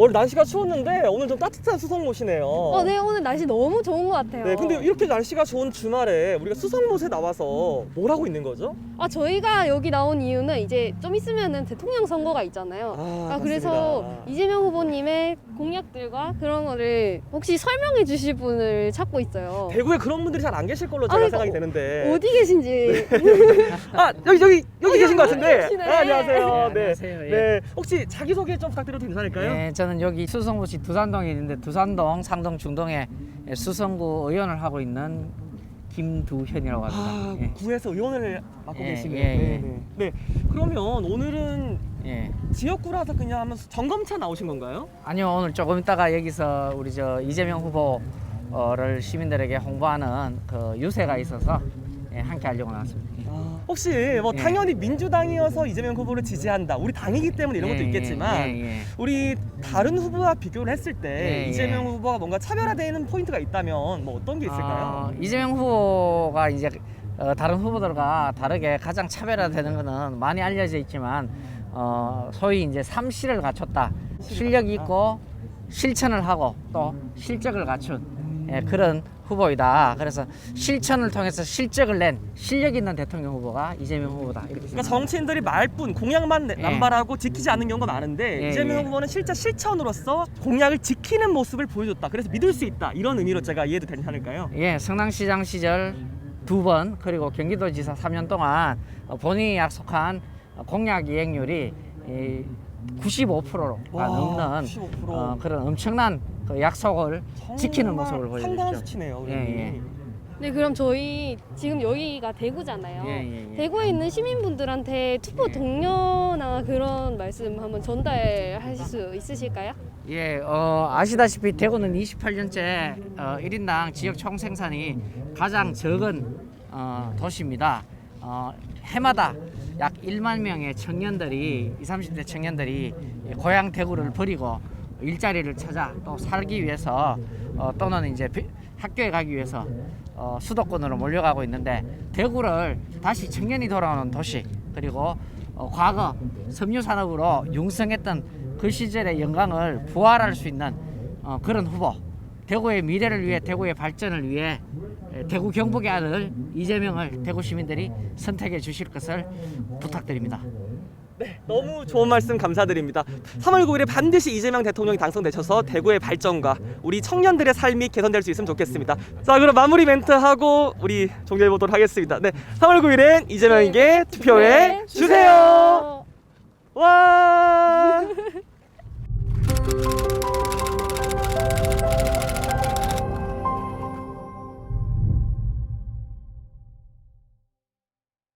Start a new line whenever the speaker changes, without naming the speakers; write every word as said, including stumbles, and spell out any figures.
원래 날씨가 추웠는데 오늘 좀 따뜻한 수성못이네요.
어, 네, 오늘 날씨 너무 좋은 것 같아요.
네, 근데 이렇게 날씨가 좋은 주말에 우리가 수성못에 나와서 뭘 하고 있는 거죠?
아, 저희가 여기 나온 이유는 이제 좀 있으면은 대통령 선거가 있잖아요.
아,
아, 그래서
맞습니다.
이재명 후보님의 공약들과 그런 거를 혹시 설명해 주실 분을 찾고 있어요.
대구에 그런 분들이 잘 안 계실 걸로
아,
제가
그러니까
생각이 되는데.
어디 계신지.
아, 여기 여기 여기
어,
계신 것
여기
같은데.
계시네.
아, 안녕하세요.
네,
네.
안녕하세요. 예.
네. 혹시 자기 소개 좀 부탁드려도 괜찮을까요?
네, 저는 여기 수성구시 두산동에 있는데 두산동, 상동, 중동에 수성구 의원을 하고 있는 김두현이라고 합니다.
아,
예.
구에서 의원을 맡고
예,
계시네요.
예, 예.
네, 네. 네. 그러면 오늘은
예.
지역구라서 그냥 한번 점검차 나오신 건가요?
아니요, 오늘 조금 있다가 여기서 우리 저 이재명 후보를 시민들에게 홍보하는 그 유세가 있어서 예, 함께 하려고 나왔습니다.
아, 혹시 뭐
예.
당연히 민주당이어서 이재명 후보를 지지한다. 우리 당이기 때문에 이런 것도
예,
있겠지만
예, 예.
우리 다른 후보와 비교를 했을 때
예,
이재명
예.
후보가 뭔가 차별화되는 포인트가 있다면 뭐 어떤 게 있을까요?
어, 이재명 후보가 이제 어, 다른 후보들과 다르게 가장 차별화되는 것은 많이 알려져 있지만 어, 소위 이제 삼실을 갖췄다. 실력이 있고 실천을 하고 또 실적을 갖춘 예, 그런 후보이다. 그래서 실천을 통해서 실적을 낸 실력 있는 대통령 후보가 이재명 후보다. 이렇게
그러니까
생각합니다.
정치인들이 말뿐 공약만
예.
남발하고 지키지 않는 경우가 많은데
예,
이재명
예.
후보는 실제 실천으로서 공약을 지키는 모습을 보여줬다. 그래서 믿을 수 있다. 이런 의미로 제가 이해도 괜찮을까요?
예, 성남시장 시절 두 번 그리고 경기도지사 삼 년 동안 어, 본인이 약속한 공약 이행률이 이 구십오 퍼센트가
와,
넘는
구십오 퍼센트.
어, 그런 엄청난 그 약속을 지키는
정말
모습을 보여주죠.
상당한 수치네요.
예, 예.
네, 그럼 저희 지금 여기가 대구잖아요.
예, 예, 예.
대구에 있는 시민분들한테 투표
예.
동료나 그런 말씀 한번 전달하실 수 있으실까요?
예, 어, 아시다시피 대구는 이십팔 년째 어, 일 인당 지역 총생산이 가장 적은 어, 도시입니다. 어, 해마다 약 일만 명의 청년들이 이십, 삼십 대 청년들이 고향 대구를 버리고 일자리를 찾아 또 살기 위해서 어, 또는 이제 비- 학교에 가기 위해서 어, 수도권으로 몰려가고 있는데 대구를 다시 청년이 돌아오는 도시 그리고 어, 과거 섬유 산업으로 융성했던 그 시절의 영광을 부활할 수 있는 어, 그런 후보 대구의 미래를 위해 대구의 발전을 위해 에, 대구 경북의 아들 이재명을 대구 시민들이 선택해 주실 것을 부탁드립니다.
네, 너무 좋은 말씀 감사드립니다. 삼월 구일에 반드시 이재명 대통령이 당선되셔서 대구의 발전과 우리 청년들의 삶이 개선될 수 있으면 좋겠습니다. 자, 그럼 마무리 멘트 하고 우리 종료해 보도록 하겠습니다. 네, 삼월 구일엔 이재명에게 투표해 주세요. 와!